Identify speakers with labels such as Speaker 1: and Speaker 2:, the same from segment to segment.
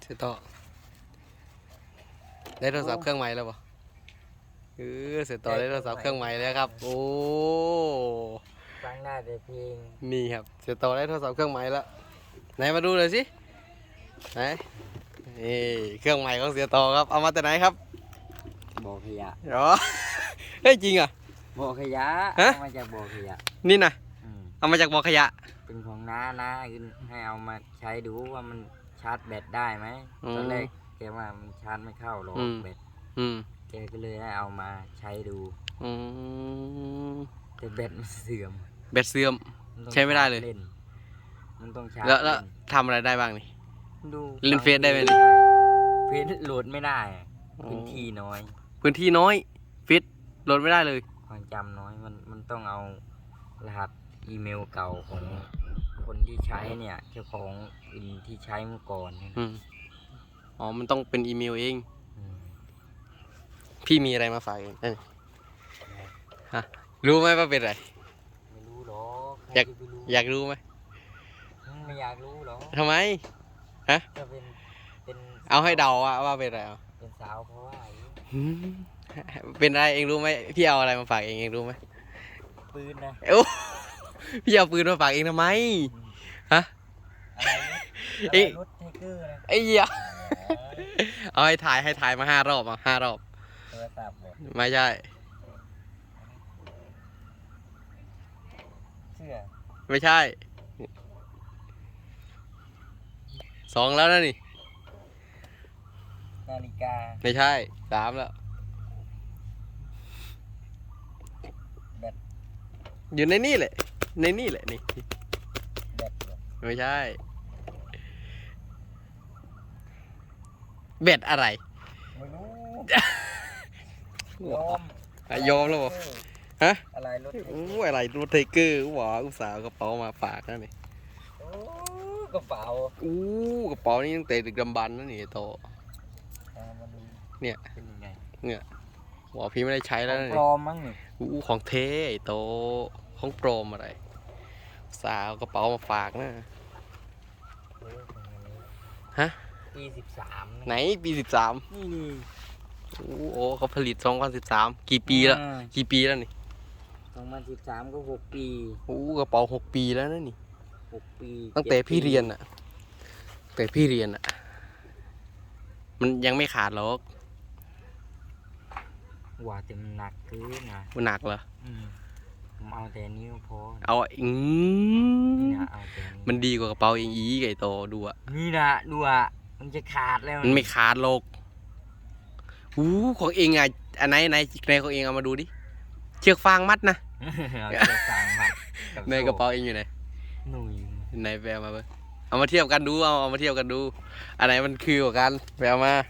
Speaker 1: เสียต่อได้โทรศัพท์เครื่องใหม่แล้วป่ะเสียต่อได้โทรศัพท์เครื่องใหม่แล้วครับโอ้
Speaker 2: ฟังได้แต่เพลง
Speaker 1: นี่ครับเสียต่อได้โทรศัพท์เครื่องใหม่แล้วไหนมาดูเลยสิไหนนี่เครื่องใหม่ของเสียต่อครับเอามาแต่ไหนครับ
Speaker 2: บ่อขยะ
Speaker 1: อ๋อเฮ้ยจริงอ่ะ
Speaker 2: บ่อขยะเอามาจากบ่อขยะ
Speaker 1: นี่นะเอามาจากบ่อขยะ
Speaker 2: เป็นของน้าให้เอามาใช้ดูว่ามันชาร์จแบตได้ไหมตอนแรกแกว่ามันชาร์จไม่เข้าหรอกแบตแกก็เลยให้เอามาใช้ดูแต่แบตมันเสื่อม
Speaker 1: ใช้ไม่ได้เลย
Speaker 2: มันต้องชาร์จ
Speaker 1: แล้วทำอะไรได้บ้างนี่
Speaker 2: ดู
Speaker 1: เล่นเฟซได้ไหมนี่
Speaker 2: เฟซโหลดไม่ได้พื้นที่น้อย
Speaker 1: เฟซโหลดไม่ได้เลย
Speaker 2: ความจำน้อยมันต้องเอารหัสอีเมลเก่าของคนที่ใช้เนี่ยเจ้าของที่ใช้เมื่อก่อน
Speaker 1: อ๋อมันต้องเป็นอีเมลเองพี่มีอะไรมาฝากเองฮะรู้ไหมว่าเป็นอะไร
Speaker 2: ไม่รู้หรอก
Speaker 1: อยากรู้ไหม
Speaker 2: ไม่อยากรู้หรอก
Speaker 1: ทำไมฮะ
Speaker 2: จะเป็น
Speaker 1: เอาให้เดาว่าเป็นอะไร
Speaker 2: เป็นสาวเพราะว่า
Speaker 1: เป็นอะไรเองรู้ไหมพี่เอาอะไรมาฝากเองรู้ไหม
Speaker 2: ปืนนะ
Speaker 1: พี่เอาปืนมาฝากเองทำไมฮะ
Speaker 2: รถไทเกอร์นะ
Speaker 1: ไอ้เหี้ยเอาให้ถ่ายมา5 รอบ5 รอบ
Speaker 2: โทรศัพท์
Speaker 1: ไม่ใช่
Speaker 2: เสื้อ
Speaker 1: ไม่ใช่2แล้วนะนี่
Speaker 2: นาฬิกา
Speaker 1: ไม่ใช่3แล้ว
Speaker 2: แบต
Speaker 1: อยู่ในนี่แหละนี่
Speaker 2: แบต
Speaker 1: ไม่ใช่เบ็ดอะไร
Speaker 2: ไม่รู้
Speaker 1: ยอมแล้วบ่ฮะ
Speaker 2: อะไรรถ
Speaker 1: อะไรรถไทเกอร์หวาอุตส่าห์กระเป๋ามาฝากนั่นนี่
Speaker 2: กระเป๋
Speaker 1: ากระเป๋านี่ตั้งแต่ดึกดำบรรพ์นั่นนี่โตเนี่ยหัวพี่ไม่ได้ใช้แล้วนี่
Speaker 2: ปลอมมั้งนี่
Speaker 1: ของเท่โตของปลอมอะไรสาวกระเป๋ามาฝากนะฮะ
Speaker 2: ปี13
Speaker 1: ไหนปี13
Speaker 2: นี่
Speaker 1: โอ้เขาผลิต2013กี่ปีแล้วนี่
Speaker 2: 2013ก็6 ปี
Speaker 1: กระเป๋า6 ปีแล้วนะนี่
Speaker 2: 6 ปี
Speaker 1: ตั้งแต่พี่เรียนอ่ะมันยังไม่ขาดหรอก
Speaker 2: ว่าแต่มันหนักเกินนะ
Speaker 1: มันหนักเหรอ
Speaker 2: ผมเอาแต่นิ้วพอ
Speaker 1: เอา
Speaker 2: แต่
Speaker 1: มันดีกว่ากระเป๋าเองไก่โตดูอ่ะ
Speaker 2: นี่นะดูอ่ะมันจะขาดแล้ว
Speaker 1: มันไม่ขาดหรอกของเองอ่ะอันไหนของเองเอามาดูดิเชือกฟางมัดนะ
Speaker 2: เชือกฟางมัด
Speaker 1: ในกระเป๋าเองอยู่ไหนไหนไปเอามาเบ้เอามาเทียบกันดูเอามาเทียบกันดูอันไหนมันคือกว่ากันไปเอามา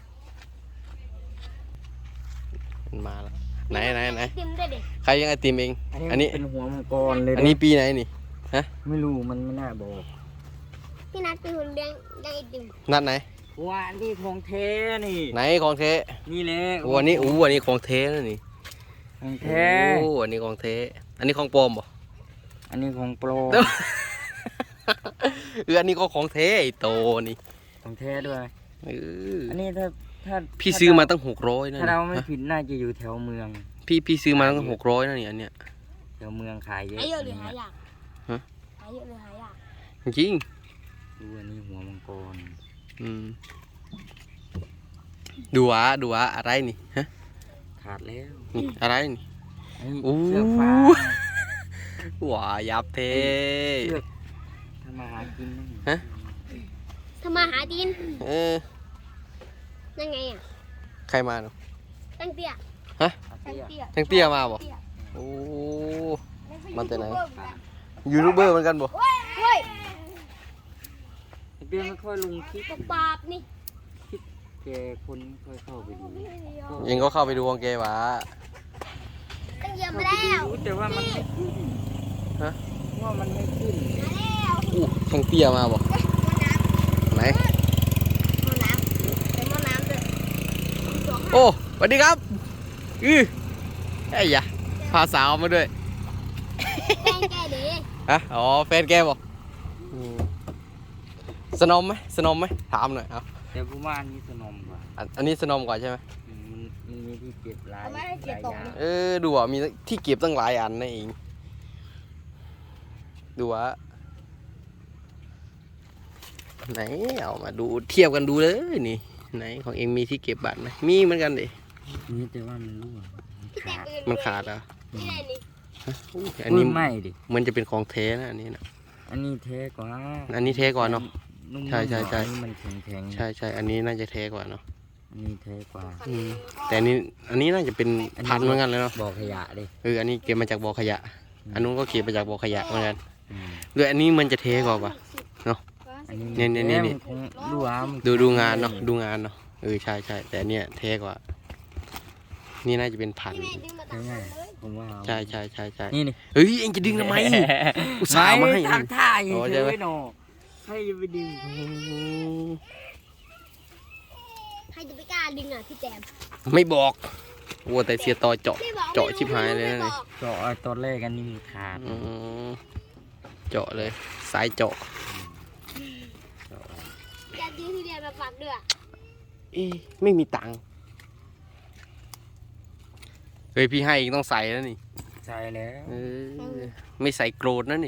Speaker 1: มาแล้วไหนใครยังไอติมเอง
Speaker 2: อันนี้เป็นหัวมังกรเลย
Speaker 1: อันนี้ปีไหนนี่ฮะ
Speaker 2: ไม่รู้มันไม่น่าบอก
Speaker 3: พี่นัทเป็นคนเลี้ยงไอติม
Speaker 1: นัดไหน
Speaker 2: ว่านี่ของเทนี่
Speaker 1: ไหนของเท
Speaker 2: นี่แหละ
Speaker 1: อันนี้อันนี้ของเทนะนี่
Speaker 2: ของเท
Speaker 1: อันนี้ของเทอันนี้ของปลอมบ่
Speaker 2: อันนี้ของปลอม
Speaker 1: อันนี้ก็ของเทโตนี่
Speaker 2: ของเทด้วยอันนี้ถ้า
Speaker 1: พี่ซื้อมาตั้ง600นะ
Speaker 2: ถ้าเราไม่ผิดน่าจะอยู่แถวเมือง
Speaker 1: พี่ซื้อมาตั้ง600นะนี่อันเนี้ย
Speaker 2: แถวเมืองขายเยอะ
Speaker 3: หายเยอะหรือหายากหายเยอะหรือหายาก
Speaker 1: จริง
Speaker 2: ดูอันนี้หัวมังกร
Speaker 1: ดูอะไรนี่ฮะ
Speaker 2: ขาดแล้ว
Speaker 1: อะไรนี่
Speaker 2: เสื้อฟ้า
Speaker 1: ยับเท
Speaker 2: ทำมาหากิน
Speaker 1: ฮะ
Speaker 3: ทำมาหากินยังไงอ่ะ
Speaker 1: ใครมาเนาะ
Speaker 3: ตั้งเตี้ย
Speaker 1: ฮะตั้งเตี้ยมาบ่โอ้มันแต่ไหนยูทูบเบอร์เหมือนกันบ่
Speaker 2: เตี้ยไม่ค่อยลงคลิป
Speaker 3: ปาบนี่
Speaker 2: แกคนค่อยเข้าไปดู
Speaker 1: ยังก็เข้าไปดูของแกวะ
Speaker 3: ตั้งเยอะไปแล้ว
Speaker 2: แต่ว่ามัน
Speaker 1: ฮะ
Speaker 2: ว่ามันไม่ขึ้น
Speaker 1: ตั้งเตี้ยมาบ่ไหนโอ้สวัสดีครับไอ้ยะพาสาวมาด้วย
Speaker 3: แฟนแกดิ
Speaker 1: ฮะอ๋อแฟนแกบอกสนมไหมถามหน่อยครับ
Speaker 2: แต่ผมว่าอันนี้สนมกว่า
Speaker 1: อันนี้สนมกว่าใช่ไหม
Speaker 2: มันมีที่เก็บหลาย
Speaker 3: เอาไม่ให้เก็บตก
Speaker 2: อย่าง
Speaker 1: ดูอ่ะมีที่เก็บตั้งหลายอันนะเองดูอ่ะไหนเอามาดูเทียบกันดูเลยนี่ไหนของเองมีที่เก็บบัตรไหมมีเหมือนกันดิ
Speaker 2: นี่แต่ว่ามันรั่ว
Speaker 3: พี่แต่
Speaker 2: ขาด
Speaker 3: ปืน
Speaker 1: มันขาดอ่ะ
Speaker 3: นี่อะไรนี่
Speaker 1: อันนี้
Speaker 2: ไม่ดิ
Speaker 1: มันจะเป็นของแท้นะอันนี้นะ
Speaker 2: อันนี้เทกว่า
Speaker 1: อันนี้เทกว่าเนอะ
Speaker 2: นุ่มๆ
Speaker 1: ใช่ใช่ใช่
Speaker 2: อันนี้มันแข็งๆ
Speaker 1: ใช่อันนี้น่าจะแท้กว่าเนาะ
Speaker 2: อันนี้เทกว่า
Speaker 1: แต่อันนี้น่าจะเป็นพันเหมือนกันเลยเนาะ
Speaker 2: บ่อขยะดิ
Speaker 1: อันนี้เก็บมาจากบ่อขยะ อันนู้นก็เก็บมาจากบ่อขยะเหมือนกัน
Speaker 2: อืม
Speaker 1: ด้วยอันนี้มันจะเทกว่าปะ
Speaker 2: อันนี้
Speaker 1: นี่
Speaker 2: มันคงรั่วมัน
Speaker 1: ดูงานเนาะดูงานเนาะใช่แต่อันเนี้ยเทกว่า นี่น่าจะเป็นพัน
Speaker 3: ที่แม่ดึงมาตัด
Speaker 2: ง่าย
Speaker 3: เลย
Speaker 2: ๆผมว่าเอา
Speaker 1: ใช่
Speaker 2: นี่นี่
Speaker 1: เฮ้ยเอ็งจะดึงทำไม อุตส่าห์มาให้
Speaker 2: ทำท่าเฉ
Speaker 1: อ๋อใช่ไหม
Speaker 2: ยๆหนอให้ไปดึง
Speaker 3: ใครจะไปกล้าดึงอ่ะพี่แจม
Speaker 1: ไม่บอกวัวแต่เสียต่อเจาะ
Speaker 3: ไม่บอก
Speaker 1: เจาะชิบหายเลยนะ
Speaker 3: ไม่
Speaker 1: เนี่ย
Speaker 3: บอก
Speaker 2: เจาะไอ้ตอนแรกอันนี้มีขาด
Speaker 1: อืมเจาะเลยสายเจาะ
Speaker 3: จะยื้อทุเรียนมาฝากด้วย
Speaker 1: ไม่มีตังค์เฮ้ยพี่ให้อีกต้องใส่แล้วนี่
Speaker 2: ใช่แล้ว
Speaker 1: ไม่ใส่โกรธนะนี่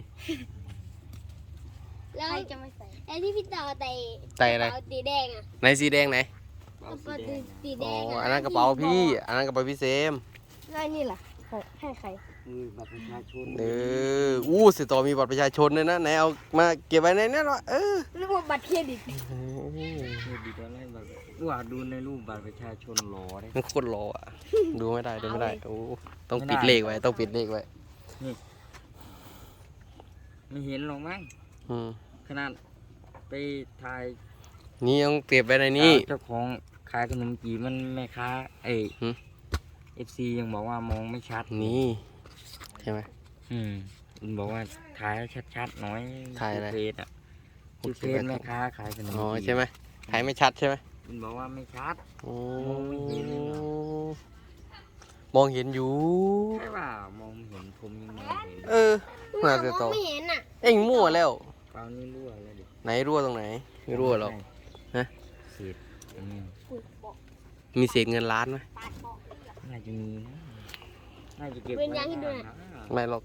Speaker 3: แล้วใครจะไม่ใส่ไอ้ที่พี่ต่อไต่
Speaker 1: ใส่อะไร
Speaker 3: กเป๋าสีแดงอ่ะ
Speaker 1: ไหนสีแดงไหน
Speaker 3: กระเป๋าสีแด
Speaker 1: อ๋อง
Speaker 3: อ่ะ
Speaker 1: อันนั้นกระเป๋าพี่ อันนั้นกระเป๋าพี่เซม
Speaker 3: แล้วนี่ล่ะให้ใคร
Speaker 2: มือบัตรประชาชน
Speaker 1: เสียต่อมีบัตรประชาชนด้วยนะไหนเอามาเก็บไว้ในนั้นวะ
Speaker 3: หรือว่าบัตรเครดิต
Speaker 2: คือดีตอนแรกแบบว่าดูในรูปบัตรประชาชนหล่อเลย
Speaker 1: มันโคตรรออ่ะ ดูไม่ได้ต้องปิดเลขไว้ต้องปิดเลขไว้
Speaker 2: ไม่เห็นหรอกมั้ง
Speaker 1: อืม
Speaker 2: ขนาดไปถ่าย
Speaker 1: นี่ต้องเก็บไว้ในนี้
Speaker 2: เจ้าของขายขนมจีบมันแม่ค้า
Speaker 1: หืม
Speaker 2: FC ยังบอกว่ามองไม่ชัด
Speaker 1: นี่ใช่ไหม
Speaker 2: มันบอกว่าถ่ายให้ชัดๆหน่อย
Speaker 1: ถ่ายอะไร
Speaker 2: เฟซอ่ะคือเฟซแม่ค้าขายขนม
Speaker 1: อ๋อ
Speaker 2: จีบ
Speaker 1: ใช่ไหมถ่ายไม่ชัดใช่ไหม
Speaker 2: มันบอกว่าไม่ชัด
Speaker 1: โอ้
Speaker 2: มองไม่เห็นเลยเหรอ
Speaker 1: มองเห็นอยู่
Speaker 2: ใช่ป่ามองไม่เห็นผมยังมองเห็น
Speaker 1: น่าจะ
Speaker 3: ม
Speaker 1: โต
Speaker 3: องไม่เห็นอ่ะ
Speaker 1: เอ็งมั่วแล้ว
Speaker 2: เปล่านี่รั่วแล้วดิ
Speaker 1: ไหนรั่วตรงไหนไม่รั่วหรอก ฮะ
Speaker 2: เศษอันนี้
Speaker 1: มีเศษเงินล้านไหม
Speaker 2: น่าจะมีนะน่าจะเก็บ
Speaker 3: เว้นยางให้ด้วย
Speaker 1: ไม่หรอก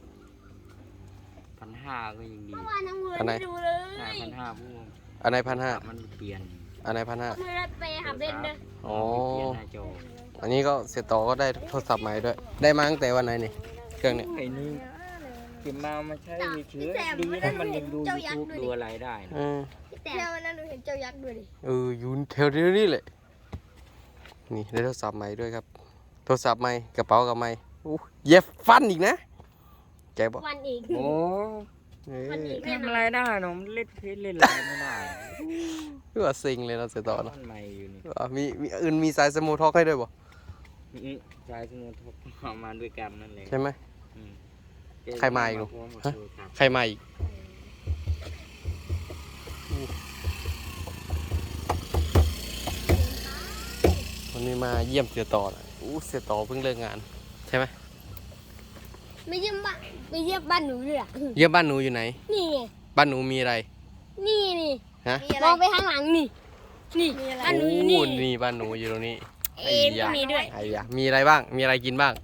Speaker 2: 1,500ก็ยังดี
Speaker 3: เมื่อวานน้องเงิน
Speaker 1: อันไหน
Speaker 3: ไม่ดูเลย
Speaker 2: 1,500พวก
Speaker 1: อันไหน1,500
Speaker 2: มันเปลี่ยน
Speaker 1: อันไหน1,500
Speaker 3: เมื่อไปหาเบนเด้อ
Speaker 1: อ๋อ
Speaker 2: เปลี่ยนหน้าจอ
Speaker 1: อันนี้ก็เสียต่อก็ได้โทรศัพท์ใหม่ด้วย ได้มาตั้งแต่วันไหนนี่เครื่องเนี้ย
Speaker 2: ไอ้นี่เก็บมาใช้เฉยๆดีนะมันยังดู YouTube ดูอะไรได้นะ
Speaker 3: พี่แต่วันนั้นหนูเห็นเจ้ายักษ์ด้วยดิ
Speaker 1: อยู่แถวนี้แหละ นี่ได้โทรศัพท์ใหม่ด้วยครับ โทรศัพท์ใหม่กระเป๋ากับใหม่เย็บฟันอีกนะแกบอก
Speaker 3: วันอีก
Speaker 2: โอ้
Speaker 3: วันอีก
Speaker 2: ทำอะไรได้เนอะเล่นเพชรเล่นอะไรไม่ได้
Speaker 1: คือว่าซิงเลยเราเสียต่อเนาะ
Speaker 2: บ้านใหม่อยู่นี่
Speaker 1: มีอื่นมีสายสมูทท็อกให้ด้วยบ่
Speaker 2: นี่ชายสมุทรทบเอามาด้วยกันนั่นเลย
Speaker 1: ใช่ไหม
Speaker 2: อืม
Speaker 1: ใครมาอีกลูก
Speaker 2: พร้มบ
Speaker 1: ฮะ
Speaker 2: โทรศัพท์
Speaker 1: ใครมาอีกวันนี้มาเยี่ยมเสียต่อนะเสียต่อเพิ่งเลิกงาน ใช่ไหม
Speaker 3: ไม่เยี่ยมบ้านไปเยี่ยมบ้านหนูด้วยอ่ะ
Speaker 1: เยี่ยมบ้านหนูอยู่ไหน
Speaker 3: นี่ไง
Speaker 1: บ้านหนูมีอะไร
Speaker 3: นี่
Speaker 1: ฮะ
Speaker 3: มองไปข้างหลังนี่บ้านหนูอยู่นี่
Speaker 1: นี่บ้านหนูอยู่ตรงนี้
Speaker 3: เอ็นก็มีด้วย
Speaker 1: ไอ้ยะมีอะไรบ้าง มีอะไรกินบ้าง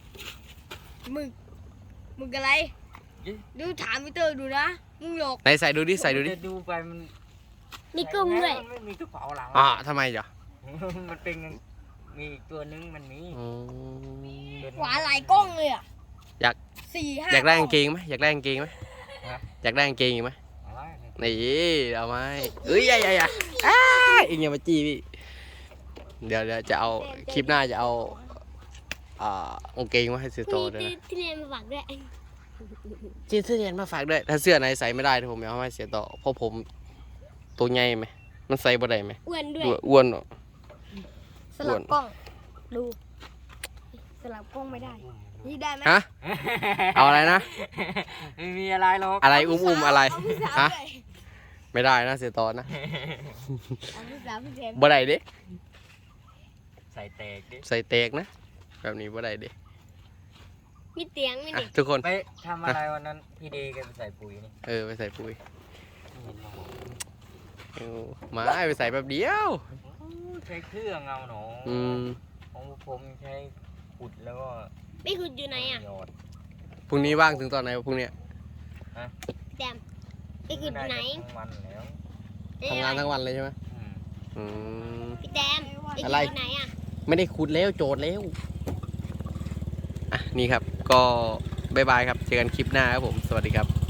Speaker 3: มึงอะไร ดูถามพี่เตอร์ดูนะมึงหลอก
Speaker 1: ไหนใส่ดูดิ ใส่ดูดิ
Speaker 2: จะดูไปมัน
Speaker 3: มีกุ้งด้วย
Speaker 2: มันไม่มีกระเป๋าหลัง
Speaker 1: ทำไมจ๊ะ
Speaker 2: มันเป็นมีอีกตัวนึงมันมี
Speaker 3: หวานหลายกล้องเลยอ่ะ
Speaker 1: อยาก
Speaker 3: 4-5
Speaker 1: อยากได้กางเกงไหมอยากได้กางเกงไหม
Speaker 2: ฮะ
Speaker 1: อยากได้กางเกงอีกไหม
Speaker 2: อะไรเนี่ย
Speaker 1: นี่เอาไหมเอ้ยอย่าอีกอย่ามาจี้พี่ เดี๋ยวจะเอาคลิปหน้าจะเอากางเกงมาให้เสียโตด้วยนะ
Speaker 3: ที่เรียนมาฝากด้วย
Speaker 1: จีนเสื้อเย็นมาฝากด้วย ถ้าเสื้อไหนใส่ไม่ได้ผมเอาให้เสียโตเพราะผมตัวใหญ่ไหมมันใส่บ่ได้ไหม
Speaker 3: อ้วนด้วย
Speaker 1: อ้วนเหรอ
Speaker 3: สลับกล้องดูสลับกล้องไม่ได้นี่ได้ไหม
Speaker 1: ฮะเอาอะไรนะ
Speaker 2: ไม่มีอะไรหรอก
Speaker 1: อะไรอุ้มอะไร
Speaker 3: เอาพี่สาว
Speaker 1: ฮะ
Speaker 3: ด้วย
Speaker 1: ไม่ได้นะเสียโตนะ
Speaker 3: เอาพี่สาวพี่แซม
Speaker 1: บ่ได้เด้
Speaker 2: ใส่แตกดิ
Speaker 1: ใส่เตกนะแบบนี้บ่ได้เด้
Speaker 3: มีเตียงไหมนี่
Speaker 1: ทุกคน
Speaker 2: ไปทำอะไรวันนั้นพี่เดย์แกไปใส่ปุ๋ยนี่
Speaker 1: ไปใส่ปุ๋ย
Speaker 2: ไม่เห็นหรอก
Speaker 1: มาไปใส่แบบเดียว
Speaker 2: ใช้เครื่องเอาหนอ
Speaker 1: อืม
Speaker 2: ของผมใช้ขุดแล้วก็
Speaker 3: ไม่คุณอยู่ไหนอ่ะ
Speaker 2: หยอด
Speaker 1: พรุ่งนี้ว่างถึงตอนไหนวะพรุ่งเนี้ย
Speaker 3: แดมไม่คุณอยู่ไหน
Speaker 2: ทั้งวันแล้ว
Speaker 1: ทำงานทั้งวันเลยใช่ไหม
Speaker 2: อืม
Speaker 1: อืม
Speaker 3: พี่แดมพี่
Speaker 1: อะไร
Speaker 3: อยู่ไหนอ่ะ
Speaker 1: ไม่ได้ขุดแล้วโจทย์แล้วอ่ะนี่ครับก็บายบายครับเจอกันคลิปหน้าครับผมสวัสดีครับ